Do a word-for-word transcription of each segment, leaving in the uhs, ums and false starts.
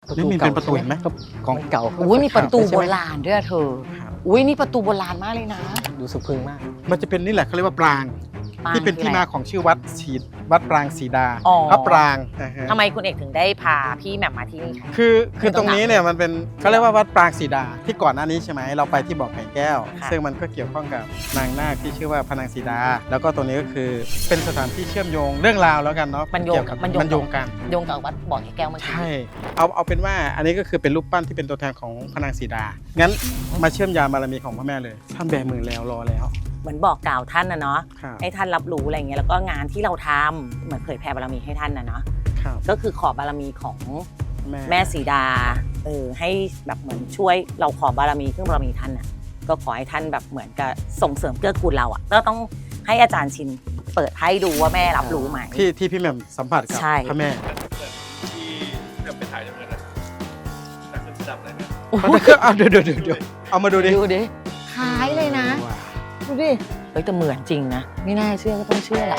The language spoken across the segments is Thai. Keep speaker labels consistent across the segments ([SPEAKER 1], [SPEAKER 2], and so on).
[SPEAKER 1] นี่มีเป็นประตูเห็นไหมของเก่า
[SPEAKER 2] อุ้ยมีประตูโบราณด้วยเธออุ้ยนี่ประตูโบราณมากเลยนะ
[SPEAKER 1] ดูสะพรึงมากมันจะเป็นนี่แหละเขาเรียกว่าปราง
[SPEAKER 2] ปราง
[SPEAKER 1] ที่เป็น
[SPEAKER 2] คือ
[SPEAKER 1] ที่
[SPEAKER 2] อะไร
[SPEAKER 1] มาของชื่อวัดศรีวัดปรางศรีดา
[SPEAKER 2] อ๋อ
[SPEAKER 1] พระปรางนะฮะ
[SPEAKER 2] ทำไมคุณเอกถึงได้พาพี่แหม่มมาที่นี่คะ
[SPEAKER 1] คือคือตรงนี้เนี่ยมันเป็นเขาเรียกว่าวัดปรางศรีดาที่ก่อนหน้านี้ใช่ไหมเราไปที่บ่อไก่แก้ว
[SPEAKER 2] ค่ะ
[SPEAKER 1] ซึ่งมันก็เกี่ยวข้องกับนางนาคที่ชื่อว่าพระนางศรีดา แล้วก็ตรงนี้ก็คือเป็นสถานที่เชื่อมโยงเรื่องราวแล้วกันเนาะ
[SPEAKER 2] มันโยง
[SPEAKER 1] เกี่ยวกับ
[SPEAKER 2] มันโยง
[SPEAKER 1] มันโยงกัน
[SPEAKER 2] โยงกับวัดบ่อไก่แก้วเมื่อกี้
[SPEAKER 1] ใช่เอาเอาเป็นว่าอันนี้ก็คือเป็นรูปปั้นที่เป็นตัวแทนของพระนางศรีดางั้นมาเชื่อมยามบารมีของพระแม่เลยท่านแบมือแล้วรอแล้ว
[SPEAKER 2] เหมือนบอกกล่าวท่านนะเนาะ
[SPEAKER 1] ครับ
[SPEAKER 2] ให้ท่านรับรู้อะไรเงี้ยแล้วก็งานที่เราทำเหมือนเผยแผ่บารมีให้ท่านนะเนาะ
[SPEAKER 1] ครับ
[SPEAKER 2] ก็คือขอบารมีของ
[SPEAKER 1] แม่
[SPEAKER 2] แม่สีดาเออให้แบบเหมือนช่วยเราขอบารมีเครื่องบารมีท่านน่ะก็ขอให้ท่านแบบเหมือนกับส่งเสริมเกื้อกูลเราอ่ะก็ต้องให้อาจารย์ชินเปิดให้ดูว่าแม่รับรู้ไหม
[SPEAKER 1] ที่ที่พี่แหม่มสัมผัสกับ
[SPEAKER 2] ใช่
[SPEAKER 1] พระแม่
[SPEAKER 3] ที่จะไปถ่ายจำเงินนะแต่คือจับอะไรเนี่ย
[SPEAKER 1] มันจะเอาเดี๋ยวเดี๋ยวเดี๋ยวเดี๋ยวเอามาดูดิ
[SPEAKER 2] ดูดิคล้ายเลยนะ
[SPEAKER 1] ว้าว
[SPEAKER 2] ดูดิเฮ้ยแต่เหมือนจริงนะไม่น่าเชื่อก็ต้องเชื่อแหละ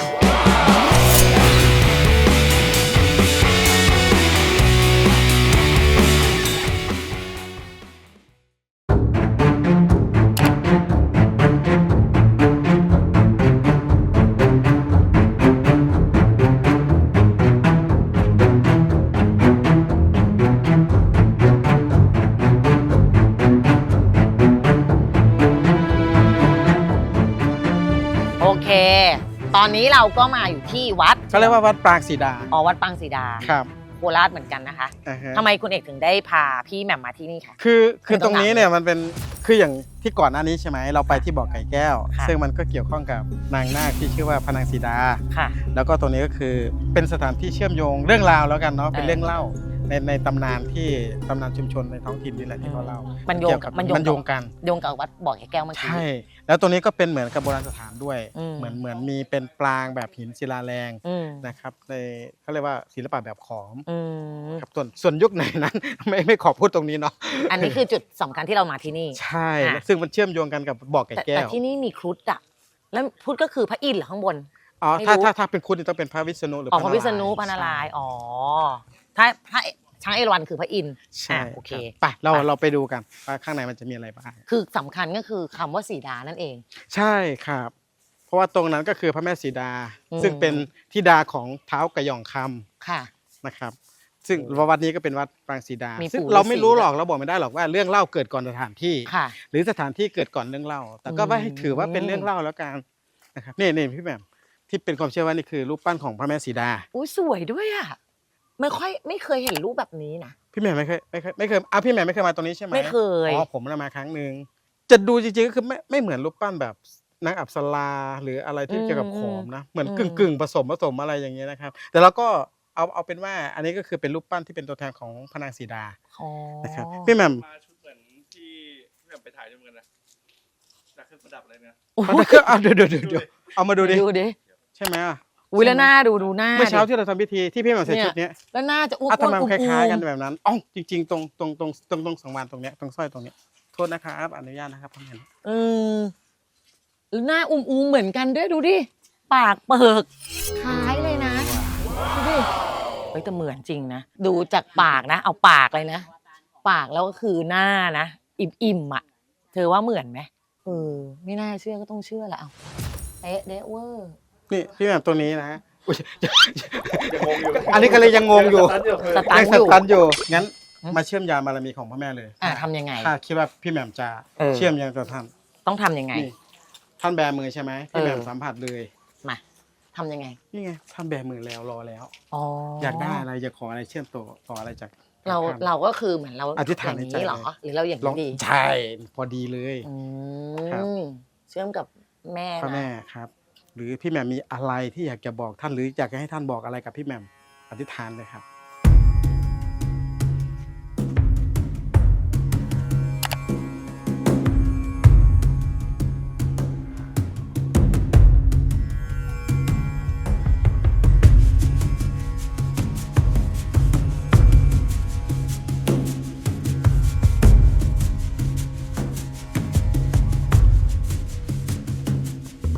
[SPEAKER 2] โอเค ตอนนี้เราก็มาอยู่ที่วัด
[SPEAKER 1] เขาเรียกว่าวัดปรางศรีดา
[SPEAKER 2] อ๋อวัดปางศรีดา
[SPEAKER 1] ครับ
[SPEAKER 2] โคราชเหมือนกันนะคะ
[SPEAKER 1] อ่าฮะ
[SPEAKER 2] ทำไมคุณเอกถึงได้พาพี่แหม่มมาที่นี่คะ
[SPEAKER 1] คือคือ
[SPEAKER 2] ไม่ต้
[SPEAKER 1] ต
[SPEAKER 2] อง
[SPEAKER 1] รงนี้
[SPEAKER 2] ถาม
[SPEAKER 1] เนี่ยมันเป็นคืออย่างที่ก่อนหน้านี้ใช่ไหมเราไปที่บ่อไก่แก้ว
[SPEAKER 2] ค่ะ
[SPEAKER 1] ซึ่งมันก็เกี่ยวข้องกับนางนาคที่ชื่อว่าพระนางศรีดา
[SPEAKER 2] ค่ะ
[SPEAKER 1] แล้วก็ตรงนี้ก็คือเป็นสถานที่เชื่อมโยงเรื่องราวแล้วกันเนาะเป็น
[SPEAKER 2] เออ
[SPEAKER 1] เรื่องเล่าในในตำนานที่ตำนานชุมชนในท้องถิ่นนี่แหละที่เขาเล่า
[SPEAKER 2] มันโยง
[SPEAKER 1] เกี่ยวกับ
[SPEAKER 2] มันโยง
[SPEAKER 1] มันโยงกัน
[SPEAKER 2] โยงกับวัดบ่อไก่แก้วเมื่อกี้
[SPEAKER 1] ใช่ แล้วตรงนี้ก็เป็นเหมือนกับโบราณสถานด้วย
[SPEAKER 2] อืม
[SPEAKER 1] เหมือนเหมือนมีเป็นปรางแบบหินศิลาแรง
[SPEAKER 2] อืม
[SPEAKER 1] นะครับในเขาเรียกว่าศิลปะแบบขอม
[SPEAKER 2] อืม
[SPEAKER 1] ครับส่วนส่วนยุคไหนนั้น ไม่ไม่ขอพูดตรงนี้เนาะ
[SPEAKER 2] อันนี้คือจุดสำคัญที่เรามาที่นี่
[SPEAKER 1] ใช่
[SPEAKER 2] อ่ะ
[SPEAKER 1] ซึ่งมันเชื่อมโยงกันกับบ่อไก่
[SPEAKER 2] แต่
[SPEAKER 1] แก้
[SPEAKER 2] แต่
[SPEAKER 1] ว
[SPEAKER 2] ที่นี่มีครุฑอะแล้วครุฑก็คือพระอินทร์เหรอข้างบน
[SPEAKER 1] อ๋อ
[SPEAKER 2] ไม่
[SPEAKER 1] ถ้า
[SPEAKER 2] รู้
[SPEAKER 1] ถ้าถ้าเป็นคุณนี่ต้องเป็นพระวิษณุหรือ
[SPEAKER 2] อ๋อ
[SPEAKER 1] พ
[SPEAKER 2] พ
[SPEAKER 1] ระ
[SPEAKER 2] ระวิษณุปานารายณ์อ๋อถ้าพระช้างเอราวัณคือพระอินทร์
[SPEAKER 1] ใช่
[SPEAKER 2] อ่ะโอเค
[SPEAKER 1] ไปเรา
[SPEAKER 2] ไป
[SPEAKER 1] เราไปดูกันว่าข้างในมันจะมีอะไรบ้าง
[SPEAKER 2] คือสำคัญก็คือคำว่าสีดานั่นเอง
[SPEAKER 1] ใช่ครับ เพราะว่าตรงนั้นก็คือพระแม่สีดา
[SPEAKER 2] อืม
[SPEAKER 1] ซึ่งเป็นธิดาของเท้าวกระหย่องคำ
[SPEAKER 2] ค่ะ
[SPEAKER 1] นะครับ ซึ่งวัดนี้ก็เป็นวัดปรางสีดา
[SPEAKER 2] มี
[SPEAKER 1] ซึ่ง
[SPEAKER 2] ปู่
[SPEAKER 1] เราไม่รู้
[SPEAKER 2] ฤาษี
[SPEAKER 1] หรอกเราบอกไม่ได้หรอกว่าเรื่องเล่าเกิดก่อนสถานที่
[SPEAKER 2] ค่ะ
[SPEAKER 1] หรือสถานที่เกิดก่อนเรื่องเล่า แต่ก็
[SPEAKER 2] อืม
[SPEAKER 1] ไม่ให้ถือว่าเป็นเรื่องเล่าแล้วกันนะครับนี่นี่พี่แหม่มที่เป็นความเชื่อว่านี่คือรูปปั้นของพระแม่สีดา
[SPEAKER 2] อุ้ยสวยด้วยอะไม่ค่อยไม่เคยเห็นรูปแบบนี้นะ
[SPEAKER 1] พี่แหม่มไม่เคยไม่เคยไม่เคยอ่ะพี่แหม่มไม่เคยมาตรงนี้ใช่ไหม
[SPEAKER 2] ไม่เคย
[SPEAKER 1] อ๋อผมน่ะมาครั้งหนึ่งจะดูจริงๆก็คือไม่ไม่เหมือนรูปปั้นแบบนางอัปสราหรืออะไรที่เกี่ยวกับขอมนะเหมือนกึ่งกึ่งๆผสมผสมอะไรอย่างเงี้ยนะครับ แต่เราก็เอาเอาเป็นว่าอันนี้ก็คือเป็นรูปปั้นที่เป็นตัวแทนของพระนางสีดา
[SPEAKER 2] อ๋อ
[SPEAKER 1] นะครับพี่แหม่ม
[SPEAKER 3] มาชุดเหมือนที่ที่แบบไปถ่ายจำเงินนะแต่เครื่องประดับอะไรเนี่ย
[SPEAKER 2] โอ้
[SPEAKER 1] มันจะเอาเดี๋ยวเดี๋ยวเดี๋ยวเดี๋ยวเอามาดูดิ
[SPEAKER 2] ดูดิ
[SPEAKER 1] ใช่ไหมอ่ะ
[SPEAKER 2] อุ้ยแล้วหน้าดูดูหน้า
[SPEAKER 1] เมื่อเช้า
[SPEAKER 2] ดิ
[SPEAKER 1] ที่เราทำพิธีที่พี่แหม่มใส่ชุดเนี้ย
[SPEAKER 2] แล้วหน้าจะอ้วน
[SPEAKER 1] อ่ะทำไม
[SPEAKER 2] อ้
[SPEAKER 1] มั
[SPEAKER 2] วน
[SPEAKER 1] นคล้ายๆกัน
[SPEAKER 2] ๆ
[SPEAKER 1] แบบนั้นอ๋อจริง ๆ ตรงตรงตรงตรงตรงสังวานตรงเนี้ยตรงสร้อยตรงเนี้ยโทษนะครับอนุญาตนะครับพี่แหม่ม
[SPEAKER 2] เออแล้วหน้าอุ้มๆเหมือนกันด้วยดูดิปากเปิกคล้ายเลยนะดูดิเฮ้ยแต่เหมือนจริงนะดูจากปากนะ เอาปากเลยนะปากแล้วก็คือหน้านะอิ่มๆอ่ะ เธอว่าเหมือนไหมเออไม่น่าเชื่อก็ต้องเชื่อแหละเอาเอ๊ะเดะเวอร์
[SPEAKER 1] นี่พี่แหม่มตัวนี้นะอุ๊ย
[SPEAKER 3] ยังงงอยู่
[SPEAKER 1] อันนี้ก็เลยยังงงอยู่
[SPEAKER 2] สตัน
[SPEAKER 1] ยัง
[SPEAKER 2] อ
[SPEAKER 1] ส
[SPEAKER 2] ยู่
[SPEAKER 1] ตันอยู่ งั้น
[SPEAKER 2] อืม
[SPEAKER 1] มาเชื่อมยามบารมีของพระแม่เลย
[SPEAKER 2] อ่ะทำยังไง
[SPEAKER 1] ถ้าคิดว่าพี่แหม่มจะ
[SPEAKER 2] เออ
[SPEAKER 1] เชื่อมยังกับท่าน
[SPEAKER 2] ต้องทำยังไง
[SPEAKER 1] นี่ท่านแบมือใช่ไหมพี่แหม่ม
[SPEAKER 2] เออ
[SPEAKER 1] สัมผัสเลย
[SPEAKER 2] มาทำยังไง
[SPEAKER 1] นี่ไงท่านแบมือแล้วรอแล้ว
[SPEAKER 2] อ๋อ
[SPEAKER 1] อ
[SPEAKER 2] อย
[SPEAKER 1] ากได้อะไรอยากขออะไรเชื่อมต่อต่ออะไรจาก
[SPEAKER 2] เรา
[SPEAKER 1] ท่น
[SPEAKER 2] เราก็คือเหมือนเรา
[SPEAKER 1] อธิษฐาน
[SPEAKER 2] อย่าง
[SPEAKER 1] ในใจ
[SPEAKER 2] นี้เหรอ
[SPEAKER 1] เลย
[SPEAKER 2] หรือเราอย่าง
[SPEAKER 1] ลอง
[SPEAKER 2] นี้ดี
[SPEAKER 1] ใช่พอดีเลย
[SPEAKER 2] อื
[SPEAKER 1] ครับ
[SPEAKER 2] มเชื่อมกับแม่
[SPEAKER 1] พระแม่
[SPEAKER 2] นะครับ
[SPEAKER 1] หรือพี่แหม่มมีอะไรที่อยากจะบอกท่านหรืออยากจะให้ท่านบอกอะไรกับพี่แหม่มอธิษฐานเลยครับ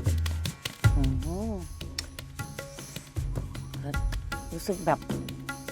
[SPEAKER 2] อืมรู้สึกแบบ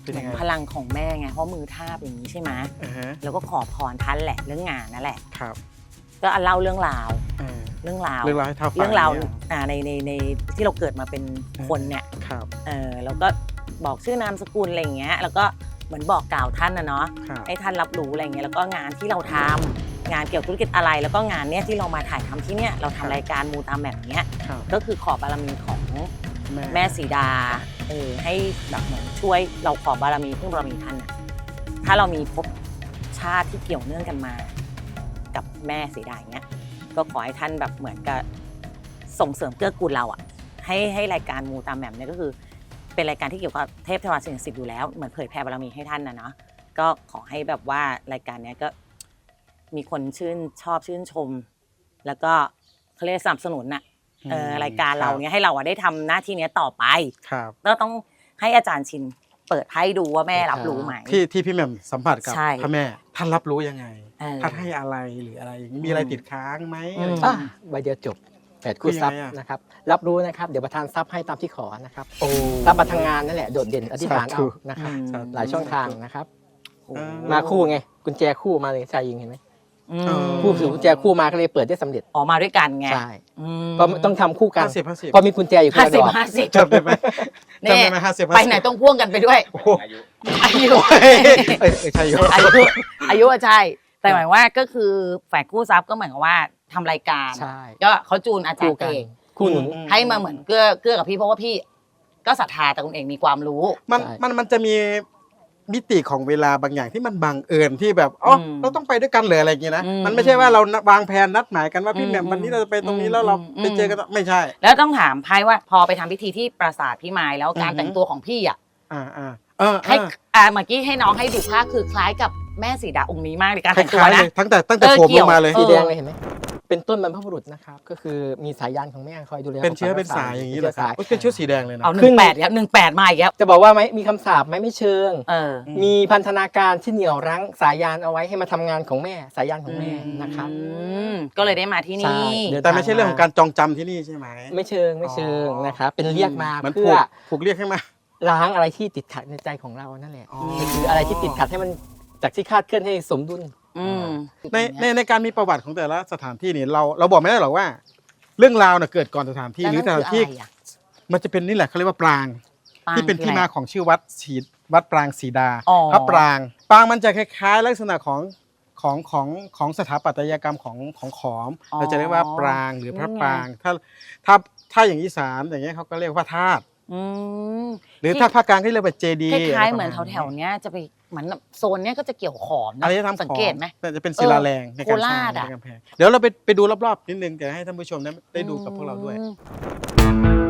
[SPEAKER 1] เป็นยังไง
[SPEAKER 2] พลังของแม่ไงเพราะมือทาบอย่างนี้ใช่ไหม
[SPEAKER 1] อ่าฮะ
[SPEAKER 2] แล้วก็ขอพรท่านแหละเรื่องงานนั่นแหละ
[SPEAKER 1] ครับ
[SPEAKER 2] ก็เล่าเรื่องราว
[SPEAKER 1] อ่า
[SPEAKER 2] เรื่องราว
[SPEAKER 1] เรื่องราวให้เท่าฟัง
[SPEAKER 2] เรื่องราว
[SPEAKER 1] นี่ย
[SPEAKER 2] อ่าในในในที่เราเกิดมาเป็นคนเนี่ย
[SPEAKER 1] ครับ
[SPEAKER 2] เออแล้วก็บอกชื่อนามสกุลอะไรอย่างเงี้ยแล้วก็เหมือนบอกกล่าวท่านนะเนาะ
[SPEAKER 1] ครับ
[SPEAKER 2] ให้ท่านรับรู้อะไรเงี้ยแล้วก็งานที่เราทำงานเกี่ยวกับธุรกิจอะไร แล้วก็งานเนี้ยที่เรามาถ่ายทำที่เนี้ยเราทำรายการมูตามแบบเนี้ย
[SPEAKER 1] ครับ
[SPEAKER 2] ก็คือขอบารมีของ
[SPEAKER 1] แม่
[SPEAKER 2] แม่สีดาเออให้แบบเหมือนช่วยเราขอบารมีพึ่งบารมีท่านอะถ้าเรามีภพชาติที่เกี่ยวเนื่องกันมา กับแม่สีดาอย่างเงี้ยก็ขอให้ท่านแบบเหมือนกับส่งเสริมเกื้อกูลเราอ่ะให้ให้รายการมูตามแบบเนี้ยก็คือเป็นรายการที่เกี่ยวกับเทพเทวาสิ่งศักดิ์สิทธิ์อยู่แล้วเหมือนเผยแผ่บารมีให้ท่านนะเนาะก็ขอให้แบบว่ารายการเนี้ยก็มีคนชื่นชอบชื่นชม แล้วก็เขาเรียกสนับสนุนน่ะเออรายการเราเนี้ยให้เราอะได้ทำหน้าที่เนี้ยต่อไป
[SPEAKER 1] ครับ
[SPEAKER 2] ก็ต้องให้อาจารย์ชินเปิดให้ดูว่าแม่รับรู้ไหม
[SPEAKER 1] ที่ที่พี่แหม่มสัมผัสกับ
[SPEAKER 2] ใช่
[SPEAKER 1] พระแม่ท่านรับรู้ยังไง
[SPEAKER 2] เออ
[SPEAKER 1] ท่านให้อะไรหรืออะไรอย่างนี้มีอะไรติดค้างไหม
[SPEAKER 2] อืม
[SPEAKER 1] อะไรอย่าง
[SPEAKER 4] อ่ะ
[SPEAKER 1] เงี้ย
[SPEAKER 4] ใบเดียวจบแปดคู่ทรัพย์
[SPEAKER 1] คือยังไงอะ
[SPEAKER 4] นะครับรับรู้นะครับเดี๋ยวประธานทรัพย์ให้ตามที่ขอนะครับ
[SPEAKER 1] โอ้
[SPEAKER 4] ทรัพย์มาทางงานนั่นแหละโดดเด่นอธิษฐาน
[SPEAKER 1] สาธุ
[SPEAKER 4] เอานะครับ
[SPEAKER 2] อืม
[SPEAKER 4] หลายช่องทางนะครับ
[SPEAKER 2] โอ้
[SPEAKER 1] อ่
[SPEAKER 4] มาคู่ไงกุญแจคู่มาเลยชายยิงเห็นไหม
[SPEAKER 2] อื
[SPEAKER 1] เอ
[SPEAKER 2] ม
[SPEAKER 1] อ
[SPEAKER 4] คู่ถือกุญแจคู่มาก็เลยเปิดได้สำเร็จ
[SPEAKER 2] ออกมาด้วยกันไง
[SPEAKER 4] ใช่
[SPEAKER 2] อืม
[SPEAKER 4] ก็ต้องทำคู่กัน
[SPEAKER 1] ห้าสิบห้าสิบ
[SPEAKER 4] พอมีกุญแจอยู่คน
[SPEAKER 2] ห้า
[SPEAKER 4] ละ
[SPEAKER 2] สิ
[SPEAKER 4] ด
[SPEAKER 2] บอก ห้าสิบ
[SPEAKER 1] จำได้ไหม
[SPEAKER 2] เนี่
[SPEAKER 1] จำ
[SPEAKER 2] ย
[SPEAKER 1] ได้ไหมห้าสิบ
[SPEAKER 2] ไปไหนต้องพ่วงกันไปด้วย
[SPEAKER 1] โอ้โห
[SPEAKER 3] อายุ
[SPEAKER 2] อายุ
[SPEAKER 1] เอ้ยเอ้ยใช่อยู่
[SPEAKER 2] อายุอายุอะใช่ แต่หมายว่าก็คือแฝดกู้ทรัพย์ก็เหมือนกับว่าทำรายการ
[SPEAKER 4] ใช่
[SPEAKER 2] ก็เขาจูนอาจาร
[SPEAKER 4] คู่
[SPEAKER 2] ย์
[SPEAKER 4] กั
[SPEAKER 2] เอน ง
[SPEAKER 4] คู่หนุน
[SPEAKER 1] อืม
[SPEAKER 2] ให้มาเหมือนเกื้อเกื้อกับพี่เพราะว่าพี่ก็ศรัทธาแต่คุณเองมีความรู้
[SPEAKER 1] มัน
[SPEAKER 4] ใช่
[SPEAKER 1] มันมันจะมีมิติของเวลาบางอย่างที่มันบังเอิญที่แบบอ๋ออ
[SPEAKER 2] ม
[SPEAKER 1] เราต้องไปด้วยกันเลยอะไรอย่างเงี้ยนะ
[SPEAKER 2] อืม
[SPEAKER 1] มันไม่ใช่ว่าเราวางแผนนัดหมายกันว่าพี่
[SPEAKER 2] อืม
[SPEAKER 1] แหม่มวันนี้เราจะไปตรงนี้
[SPEAKER 2] อืม
[SPEAKER 1] แล้วเรา
[SPEAKER 2] อืม
[SPEAKER 1] ไปเจอกันไม่ใช่
[SPEAKER 2] แล้วต้องถามไพ่ว่าพอไปทำพิธีที่ปราสาทพี่ไม้แล้วการ
[SPEAKER 1] อือฮึ
[SPEAKER 2] แต่งตัวของพี่อ่ะ
[SPEAKER 1] อ่าอ่าเออ
[SPEAKER 2] ให้
[SPEAKER 1] เออ
[SPEAKER 2] อ่าเมื่อกี้ให้น้องให้ดูภาพคือคล้ายกับแม่สีดาองค์นี้มากในการ
[SPEAKER 1] ค
[SPEAKER 2] แต่งตัว
[SPEAKER 1] ล้ายๆเล
[SPEAKER 2] นะ
[SPEAKER 1] ยตั้งแต่ตั้งแต่
[SPEAKER 2] เออ
[SPEAKER 1] ผม
[SPEAKER 2] เกี่
[SPEAKER 1] ล
[SPEAKER 2] ยว
[SPEAKER 1] งมาเลย
[SPEAKER 2] เอ
[SPEAKER 4] สี
[SPEAKER 2] อ
[SPEAKER 4] แดงเลยเห็นไหมเป็นต้นบรรพบุรุษนะครับก็คือมีสายยานของแม่คอยดูแล
[SPEAKER 1] เป็นเชื้อ
[SPEAKER 4] ปกปัก
[SPEAKER 1] เป็น
[SPEAKER 4] รักษ
[SPEAKER 1] สายอย่างนี้เหรอครับ
[SPEAKER 4] สาย
[SPEAKER 1] โอ้ยเป็นชุดสีแดงเลยนะ
[SPEAKER 2] เอาหนึ่งแปดครับหนึ่งแปดมาอีกแล้ว
[SPEAKER 4] จะบอกว่าไหมมีคำสาปไหมไม่เชิง
[SPEAKER 2] เออ
[SPEAKER 4] มีพันธนาการที่เหนี่ยวรั้งสายยานเอาไว้ให้มาทำงานของแม่สายยานของแม่นะครับ
[SPEAKER 2] อืมก็เลยได้มาที่
[SPEAKER 4] ใช่
[SPEAKER 2] นี่
[SPEAKER 4] เดิน
[SPEAKER 1] แต่ไม่ใช่เรื่องของการจองจำที่นี่ใช่ไหม
[SPEAKER 4] ไม่เชิงไม่เชิง
[SPEAKER 1] อ๋อ
[SPEAKER 4] นะครับเป็นเรียกมา
[SPEAKER 1] เหมือน
[SPEAKER 4] เพื่
[SPEAKER 1] ผู
[SPEAKER 4] อก
[SPEAKER 1] ผูกเรียกให้มา
[SPEAKER 4] ล้างอะไรที่ติดขัดในใจของเรานั่นแหละ
[SPEAKER 1] อ๋อ
[SPEAKER 4] ก็คืออะไรที่ติดขัดให้มันจากที่คาดเคลื่อนให้สมดุล
[SPEAKER 2] อืม
[SPEAKER 1] ในในในการมีประวัติของแต่ละสถานที่นี่เราเราบอกไม่ได้หรอกว่า เรื่องราวน่ะเกิดก่อนสถานที่หรือสถานที่
[SPEAKER 2] แล้วนั่นคืออะไรอะ
[SPEAKER 1] มันจะเป็นนี่แหละเขาเรียกว่าปราง
[SPEAKER 2] ปาง
[SPEAKER 1] ที่เป็น
[SPEAKER 2] คือ
[SPEAKER 1] ที่
[SPEAKER 2] อะไร
[SPEAKER 1] มาของชื่อวัดศรีวัดปรางศรีดา
[SPEAKER 2] อ๋อ
[SPEAKER 1] พระปรางปรางมันจะคล้ายๆ ลักษณะของของของของสถาปัตยกรรมของของขอม
[SPEAKER 2] อ๋อ
[SPEAKER 1] เราจะเรียกว่าปรางหรือพระ
[SPEAKER 2] นี่ไง
[SPEAKER 1] ปรางถ้าถ้าถ้าอย่างอีสานอย่างเงี้ยเขาก็เรียกว่าธาตุ
[SPEAKER 2] อืม
[SPEAKER 1] หรือถ้าภาคกลางที่เรียกว่าเจดี
[SPEAKER 2] คล้ายๆเหมือนแถวๆเนี้ยจะไปเหมือนแบบโซนเนี้ยก็จะเกี่ยวขอมนะ
[SPEAKER 1] อะไรจะทำ
[SPEAKER 2] สังเกตไหม
[SPEAKER 1] ของจะเป็นศิลาแรงในการสร้าง
[SPEAKER 2] โคราชอะ
[SPEAKER 1] ในกำแพงเดี๋ยวเราไปไปดูรอบๆนิดนึงเดี๋ยวให้ท่านผู้ชมได้ได้ดูกับพวกเราด้วย
[SPEAKER 2] อืม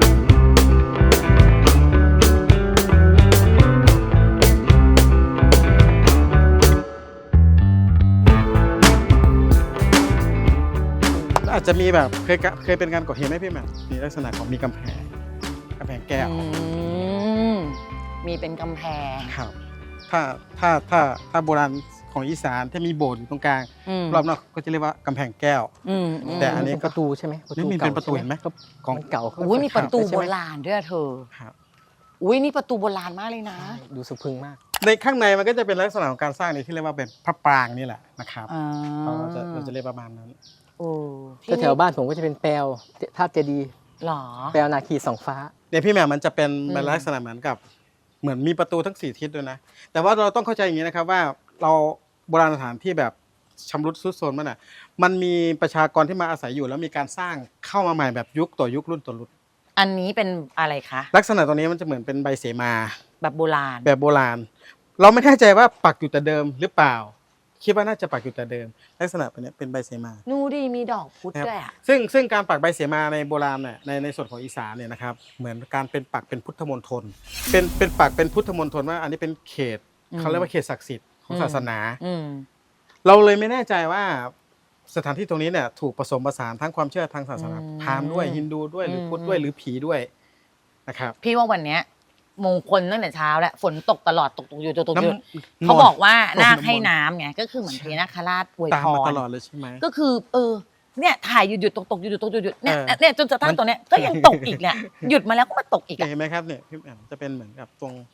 [SPEAKER 1] อาจจะมีแบบเคยกะเคยเป็นการก่อเหตุไหมพี่แหม่มมีลักษณะของมีกำแพงกำแพงแก้ว
[SPEAKER 2] อืมมีเป็นกำแพง
[SPEAKER 1] ครับถ้าถ้าถ้าถ้าโบราณของอีสานถ้ามีโบสถ์อยู่ตรงกลาง
[SPEAKER 2] อืม
[SPEAKER 1] รอบนอกก็จะเรียกว่ากำแพงแก้ว
[SPEAKER 2] อืม
[SPEAKER 1] แต่อันนี้
[SPEAKER 4] เป็ประตูใช่ไหม
[SPEAKER 1] นี่มีเป็นประตูเห็นไหม
[SPEAKER 4] ก็
[SPEAKER 1] ของ
[SPEAKER 4] มันเก่า
[SPEAKER 2] อุ้ยมีประตู
[SPEAKER 4] ใช่
[SPEAKER 2] โบ
[SPEAKER 4] ไหม
[SPEAKER 2] ราณด้วยอะเธอ
[SPEAKER 1] ครับ
[SPEAKER 2] อุ้ยนี่ประตูโบราณมากเลยนะ
[SPEAKER 4] ใช่ดูสะพรึงมาก
[SPEAKER 1] ในข้างในมันก็จะเป็นลักษณะของการสร้างนี้ที่เรียกว่าเป็นพระปรางนี่แหละนะครับ
[SPEAKER 2] อ่า
[SPEAKER 1] เราจะเราจะเรียกประมาณนั้น
[SPEAKER 2] โอ้
[SPEAKER 4] ถ้าแถวบ้านผมก็จะเป็นแปลวธาตุเจดีย์
[SPEAKER 2] หรอ
[SPEAKER 4] แปลวนาคีสองฟ้า
[SPEAKER 1] เนี่ยพี่แหม่มมันจะเป็น
[SPEAKER 2] อืม
[SPEAKER 1] เป็นลักษณะเหมือนกับ เหมือนมีประตูทั้งสี่ทิศด้วยนะแต่ว่าเราต้องเข้าใจอย่างนี้นะครับว่าเราโบราณสถานที่แบบชำรุดทรุดโทรมมันอ่ะมันมีประชากรที่มาอาศัยอยู่แล้วมีการสร้างเข้ามาใหม่แบบยุคต่อยุครุ่นต่อรุ่น
[SPEAKER 2] อันนี้เป็นอะไรคะ
[SPEAKER 1] ลักษณะตรงนี้มันจะเหมือนเป็นใบเสมา
[SPEAKER 2] แบบโบราณ
[SPEAKER 1] แบบโบราณ เราไม่แน่ใจว่าปักอยู่แต่เดิมหรือเปล่า คิดว่าน่าจะปักอยู่แต่เดิม ลักษณะแบบนี้เป็นใบเสมา
[SPEAKER 2] นูดีมีดอกพุธ
[SPEAKER 1] นะครับ
[SPEAKER 2] ด้วยอ่ะ
[SPEAKER 1] ซึ่งซึ่งการปักใบเสมาในโบราณเนี่ยในในส่วนของอีสานเนี่ยนะครับเหมือนการเป็นปักเป็นพุทธมณฑลเป็นเป็นปักเป็นพุทธมณฑลว่าอันนี้เป็นเขต
[SPEAKER 2] อืม
[SPEAKER 1] เขาเรียกว่าเขตศักดิ์สิทธิ์ของ
[SPEAKER 2] อืม
[SPEAKER 1] ศาสนา
[SPEAKER 2] อืม
[SPEAKER 1] เราเลยไม่แน่ใจว่าสถานที่ตรงนี้เนี่ยถูกผสมผสานทั้งความเชื่อทางศาสนาพราหมณ์ด้วยฮินดูด้วยหรือพุทธด้วยหรือผีด้วยนะครับ
[SPEAKER 2] พี่ว่าวันเนี้ยมงคลตั้งแต่เช้าแล้วฝนตกตลอดตกตกอยู่ตกตกอยู่
[SPEAKER 1] น้ำ
[SPEAKER 2] เขาบอกว่า
[SPEAKER 1] น้ำ
[SPEAKER 2] นาคให้น้ำไงก็คือเหมือน
[SPEAKER 1] ใช่
[SPEAKER 2] พญานาคราชอวย
[SPEAKER 1] ตาม
[SPEAKER 2] พ
[SPEAKER 1] มาร ตลอดเลยใช่ไหม
[SPEAKER 2] ก็คือ เออ เนี่ยถ่ายหยุดหยุดตกตกหยุดหยุดตกหยุดหยุดเนี่ย
[SPEAKER 1] เออ
[SPEAKER 2] เนี่ยจนกระทั่
[SPEAKER 1] มั
[SPEAKER 2] ง
[SPEAKER 1] น
[SPEAKER 2] ตัวเนี้ยก็ยังตกอีกเนี่ยหยุดมาแล้วก็มาตกอีก
[SPEAKER 1] เนี่ย
[SPEAKER 2] อ่ะ
[SPEAKER 1] เห็นไหมครับเนี่ยพี่แอมจะเป็นเหมือนกับตรง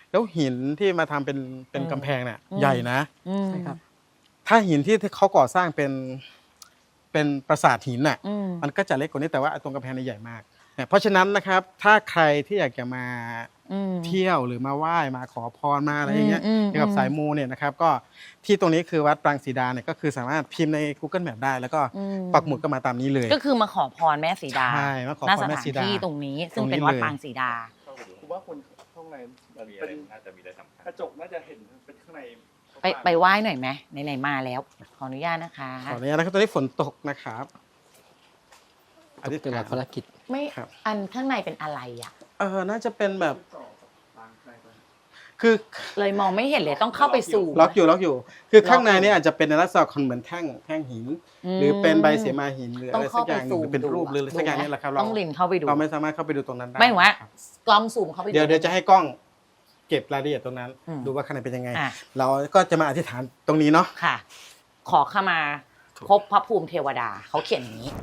[SPEAKER 1] แล้วหินที่มาทำเป็นเป็น
[SPEAKER 2] อืม
[SPEAKER 1] กำแพงเนี่ย
[SPEAKER 2] อืม
[SPEAKER 1] ใหญ่นะ
[SPEAKER 2] อืม
[SPEAKER 4] ใช่ครับ
[SPEAKER 1] ถ้าหินที่เขาก่อสร้างเป็นเป็นปราสาทหินน่ะ
[SPEAKER 2] อืม
[SPEAKER 1] มันก็จะเล็กกว่านี้แต่ว่าตรงกำแพงนี่ใหญ่มากเนี่ยเพราะฉะนั้นนะครับถ้าใครที่อยากจะมา
[SPEAKER 2] อืม
[SPEAKER 1] เที่ยวหรือมาไหว้มาขอพรมาอะไรอย่างเงี้ย
[SPEAKER 2] อืมอืม
[SPEAKER 1] เกี่ยวกับสายมูเนี่ยนะครับก็ที่ตรงนี้คือวัดปรางสีดาเนี่ยก็คือสามารถพิมพ์ใน Google Map ได้ แล้วก็
[SPEAKER 2] อืม
[SPEAKER 1] ปักหมุดก็มาตามนี้เลย
[SPEAKER 2] ก็คือมาขอพรแม่สีดา
[SPEAKER 1] ใช่มาขอ
[SPEAKER 2] ณ
[SPEAKER 1] พรแม่
[SPEAKER 2] สถาน
[SPEAKER 1] สีดา
[SPEAKER 2] ที่ตรงนี้ ซึ่ง
[SPEAKER 1] ตรงนี้
[SPEAKER 2] เป็นวัด
[SPEAKER 1] เลย
[SPEAKER 2] ปางสีดา
[SPEAKER 3] ผมว่าคนข้างในมัน
[SPEAKER 5] มีอะไร
[SPEAKER 3] เป็น
[SPEAKER 5] น่าจะมีอะไรสำคัญ
[SPEAKER 3] กระจกน่าจะเห็นเป็นข้างใน
[SPEAKER 2] ไปไปไหว้หน่อยไหมไหนๆมาแล้ว ขออนุญาตนะคะ
[SPEAKER 1] ขออนุญาตนะครับตอนนี้ฝนตกนะครับอธิษ
[SPEAKER 4] เป็น
[SPEAKER 1] ฐา
[SPEAKER 4] หลั
[SPEAKER 1] น
[SPEAKER 4] กภารกิจ
[SPEAKER 2] ไม่
[SPEAKER 1] ครับ
[SPEAKER 2] อันข้างในเป็นอะไรอ่ะ
[SPEAKER 1] เออน่าจะเป็นแบบ
[SPEAKER 3] ต่อต่างในไป
[SPEAKER 1] คือ
[SPEAKER 2] เลยมองไม่เห็นเลยต้องเข้าไปสู่
[SPEAKER 1] ล็อกอยู่ล็อกอยู่ คือข้างใน
[SPEAKER 2] ล็อกอยู่
[SPEAKER 1] เนี่ยอาจจะเป็นในลักษณะของเหมือนแท่งแท่งหิน หรือเป็นใบเสมาหินหรือ
[SPEAKER 2] ต้
[SPEAKER 1] อะ
[SPEAKER 2] อง
[SPEAKER 1] ไรสั
[SPEAKER 2] เข้าก
[SPEAKER 1] อ
[SPEAKER 2] ไป
[SPEAKER 1] ย่างหนึ่
[SPEAKER 2] สู่
[SPEAKER 1] งหรือเป็นรูปหรืออะไรสักอย่างนี่แหละครับเรา
[SPEAKER 2] ต้องลินเข้าไปดู
[SPEAKER 1] เราไม่สามารถเข้าไปดูตรงนั้นได้
[SPEAKER 2] ไม่ถึงว่า
[SPEAKER 1] ครับ
[SPEAKER 2] กล้องซูมเข้าไปดู
[SPEAKER 1] เดี๋ยวเดี๋ยวจะให้กล้องเก็บรายละเอียดตรงนั้น
[SPEAKER 2] อืม
[SPEAKER 1] ดูว่าข้างในเป็นยังไง
[SPEAKER 2] อ่ะ
[SPEAKER 1] เราก็จะมาอธิษฐานตรงนี้เนาะ
[SPEAKER 2] ค่ะ ขอเข้ามาพบพระภูมิเทวดาเขาเขียนอย่างนี้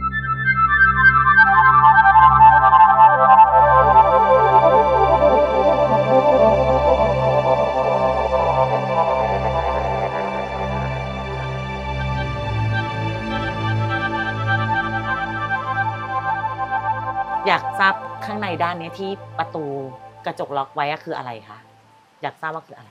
[SPEAKER 2] อยากทราบข้างในด้านนี้ที่ประตูกระจกล็อกไว้อะคืออะไรคะอยากทราบว่าคืออะไร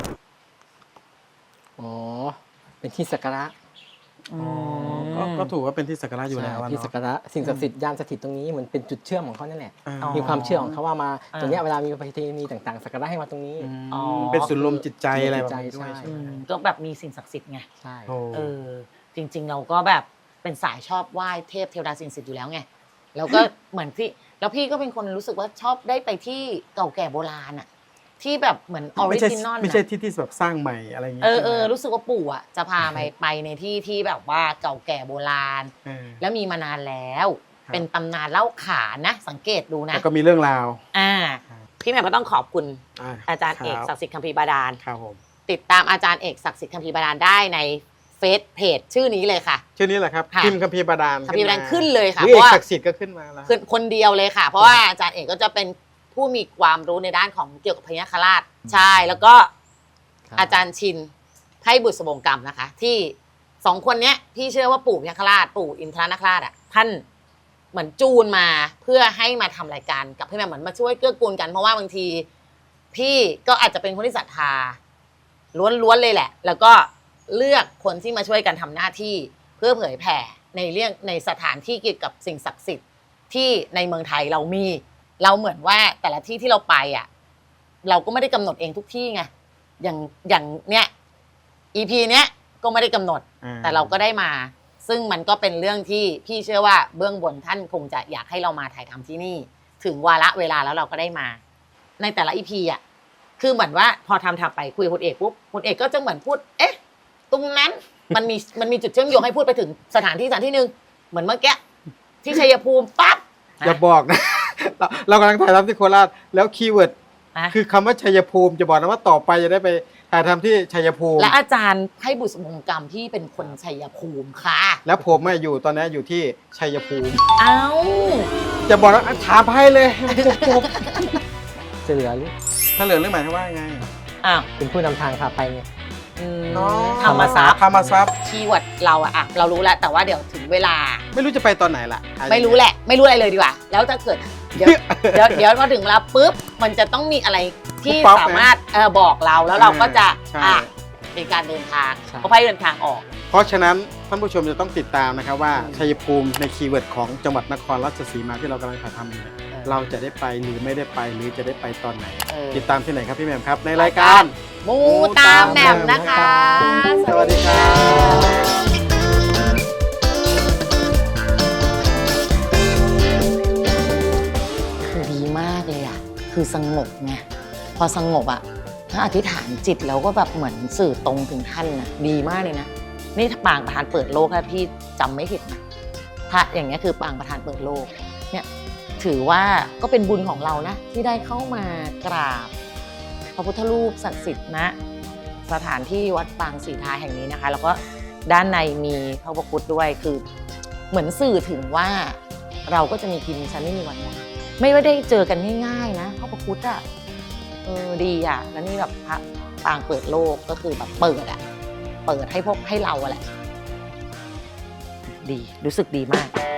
[SPEAKER 4] อ๋อ เป็นที่สักการะ
[SPEAKER 2] อืม
[SPEAKER 1] ก็ก็ถูกว่าเป็นที่สักการะอยู่แล้วอะ
[SPEAKER 4] ที่
[SPEAKER 1] เนาะ
[SPEAKER 4] สักการะสิ่งศักดิ์สิทธิ์ยานสถิตตรงนี้เหมือนเป็นจุดเชื่อมของเขานั่นแหละ
[SPEAKER 1] อ่า
[SPEAKER 2] อ๋อ
[SPEAKER 4] มีความเชื่อของเขาว่ามา
[SPEAKER 2] อ่า
[SPEAKER 4] ตรงเนี้ยเวลามีประเพณีต่างๆสักการะให้มาตรงนี้
[SPEAKER 1] ม
[SPEAKER 2] อ๋อ
[SPEAKER 1] เป็นศูนย์รวมจิตใจอะไรแบบ
[SPEAKER 4] ใจ
[SPEAKER 1] นี้ด้วย
[SPEAKER 4] ใช่
[SPEAKER 1] ใช่
[SPEAKER 2] อื
[SPEAKER 1] ไหม
[SPEAKER 2] มก็แบบมีสิ่งศักดิ์สิทธิ์ไง
[SPEAKER 4] ใช่
[SPEAKER 1] โอ้
[SPEAKER 2] เออ จริง ๆ เราก็แบบเป็นสายชอบไหว้เทพเทวดาสิ่งศักดิ์สิทธิ์อยู่แล้วไงแล้วก็เหมือนที่แล้วพี่ก็เป็นคนรู้สึกว่าชอบได้ไปที่เก่าแก่โบราณอะที่แบบเหมือนออริ
[SPEAKER 1] ไม่ใช่
[SPEAKER 2] จินอล
[SPEAKER 1] ไม่ใช่ที่ที่แบบสร้างใหม่อะไรอย่างเงี้ย
[SPEAKER 2] เออเออ
[SPEAKER 1] ใช่ไหม
[SPEAKER 2] รู้สึกว่าปู่อะจะพาไปไปในที่ที่แบบว่าเก่าแก่โบราณ
[SPEAKER 1] เออ
[SPEAKER 2] แล้วมีมานานแล้ว
[SPEAKER 1] ครับ
[SPEAKER 2] เป็นตำนานเล่าขานนะ สังเกตดูนะ
[SPEAKER 1] แล้วก็มีเรื่องราว
[SPEAKER 2] อ่า
[SPEAKER 1] ครับ
[SPEAKER 2] พี่แหม่มก็ต้องขอบคุณ
[SPEAKER 1] อ่า
[SPEAKER 2] อาจารย์เอก
[SPEAKER 1] คบ
[SPEAKER 2] ศักดิ์สิทธิ์คัมภีร์บาดาล
[SPEAKER 1] ครับผม
[SPEAKER 2] ติดตามอาจารย์เอกศักดิ์สิทธิ์คัมภีร์บาดาลได้ในเฟซเพจชื่อนี้เลยค่ะ
[SPEAKER 1] ชื่อนี้แหละครับ
[SPEAKER 2] ค่ะ
[SPEAKER 1] พิมพ์คัมภีร์บาดาล
[SPEAKER 2] คัมภีร์บาดาลขึ้นเลยค่ะ
[SPEAKER 1] หรือ
[SPEAKER 2] เพ
[SPEAKER 1] เอก
[SPEAKER 2] ราะว่า
[SPEAKER 1] ศักดิ์สิทธิ์ก็ขึ้นมาแล้ว
[SPEAKER 2] คือคนเดียวเลยค่ะ เพราะว่าอาจารย์เอกก็จะเป็นผู้มีความรู้ในด้านของเกี่ยวกับพญาคราชใช่แล้วก็
[SPEAKER 4] ครับ
[SPEAKER 2] อาจารย์ชินไพบุตรสบงกรรมนะคะ ที่สองคนเนี้ยพี่เชื่อว่าปู่พญาคราชปู่อินทรนาคราชอ่ะท่านเหมือนจูนมาเพื่อให้มาทำรายการกับพี่แม่เหมือนมาช่วยเกื้อกูลกันเพราะว่าบางที พี่ก็อาจจะเป็นคนที่ศรัทธาล้วนๆเลยแหละ แล้วก็เลือกคนที่มาช่วยกันทำหน้าที่เพื่อเผยแผ่ในเรื่องในสถานที่เกี่ยวกับสิ่งศักดิ์สิทธิ์ที่ในเมืองไทยเรามี เราเหมือนว่าแต่ละที่ที่เราไปอ่ะ เราก็ไม่ได้กำหนดเองทุกที่ไงอย่างอย่างเนี้ย อี พี เนี้ยก็ไม่ได้กำหนด
[SPEAKER 1] อ่
[SPEAKER 2] แต่เราก็ได้มา ซึ่งมันก็เป็นเรื่องที่พี่เชื่อว่าเบื้องบนท่านคงจะอยากให้เรามาถ่ายทำที่นี่ ถึงวาระเวลาแล้วเราก็ได้มา ในแต่ละ อี พี อ่ะ คือเหมือนว่าพอทำทำไปคุยกับคุณเอกปุ๊บคุณเอกก็จะเหมือนพูด เอ๊ะ ตรงนั้นมันมีมันมีจุดเชื่อมโยงให้พูดไปถึงสถานที่สถานที่หนึ่งเหมือนเมื่อกี้ที่ชัยภูมิปั๊บ
[SPEAKER 1] อย่าบอกนะ เราเรากำลังถ่ายทำที่โคราชแล้วคีย์เวิร์ด
[SPEAKER 2] นะ
[SPEAKER 1] คือคำว่าชัยภูมิจะบอกนะว่าต่อไปจะได้ไปถ่ายทำที่ชัยภูมิ
[SPEAKER 2] และอาจารย์ให้บุษบงกรรมที่เป็นคนชัยภูมิค่ะ
[SPEAKER 1] แล้วผมอะอยู่ตอนนี้อยู่ที่ชัยภูมิ
[SPEAKER 2] เอ้า
[SPEAKER 1] จะบอกว่าถามให้เลยให้มันจบ
[SPEAKER 4] จะเหลือหรือ
[SPEAKER 1] ๆถ้าเหลือเรื่องหมายความว่าไง
[SPEAKER 2] อ้าว
[SPEAKER 4] เป็นผู้นำทางพาไปไง
[SPEAKER 2] อืม
[SPEAKER 1] น้อง
[SPEAKER 2] ธรรมทรัพย์
[SPEAKER 1] ธรรมทรัพย์
[SPEAKER 2] คีย์เวิร์ดเราอะอะเรารู้แล้วแต่ว่าเดี๋ยวถึงเวลา
[SPEAKER 1] ไม่รู้จะไปตอนไหนล่ะ
[SPEAKER 2] ไม่รู้แหละ ไม่รู้อะไรเลยดีกว่า แล้วถ้าเกิดเดี๋ยวเดี๋ยวเดี๋ยวพอถึงเวลาปุ๊บมันจะต้องมีอะไรที่สามารถเออบอกเราแล้วเราก็จะ
[SPEAKER 1] ใช่
[SPEAKER 2] อ่ะเป็นการเดินทาง
[SPEAKER 4] ใช่
[SPEAKER 2] เขาให้เดินทางออก
[SPEAKER 1] เพราะฉะนั้นท่านผู้ชมจะต้องติดตามนะครับว่าชัยภูมิในคีย์เวิร์ดของจังหวัดนครราชสีมาที่เรากำลังถ่ายทำอยู่เนี่ย
[SPEAKER 2] เออ
[SPEAKER 1] เราจะได้ไปหรือไม่ได้ไปหรือจะได้ไปตอนไหน
[SPEAKER 2] เออ
[SPEAKER 1] ติดตามที่ไหนครับพี่แหม่มครับ ในรายการ
[SPEAKER 2] มูตามแหม่มนะคะ
[SPEAKER 1] สวัสดีครับ
[SPEAKER 2] คือดีมากเลยอ่ะ คือสงบไง พอสงบอ่ะ ถ้าอธิษฐานจิตแล้วก็แบบเหมือนสื่อตรงถึงท่านนะดีมากเลยนะ นี่ปางประธานเปิดโลกถ้าพี่จำไม่ผิดนะพระอย่างเงี้ยคือปางประธานเปิดโลก เนี่ยถือว่าก็เป็นบุญของเรานะ ที่ได้เข้ามากราบ พระพุทธรูปศักดิ์สิทธิ์ณสถานที่วัดปางศรีทาแห่งนี้นะคะ แล้วก็ด้านในมีพระอุปคุตด้วยคือเหมือนสื่อถึงว่าเราก็จะมีกินมีชั้นไม่มีวันหมดไม่ว่าได้เจอกันง่ายๆนะพระอุปคุตอะเออดีอ่ะแล้วนี่แบบพระปางเปิดโลกก็คือแบบเปิดอ่ะเปิดให้พวกให้เราอะแหละดีรู้สึกดีมาก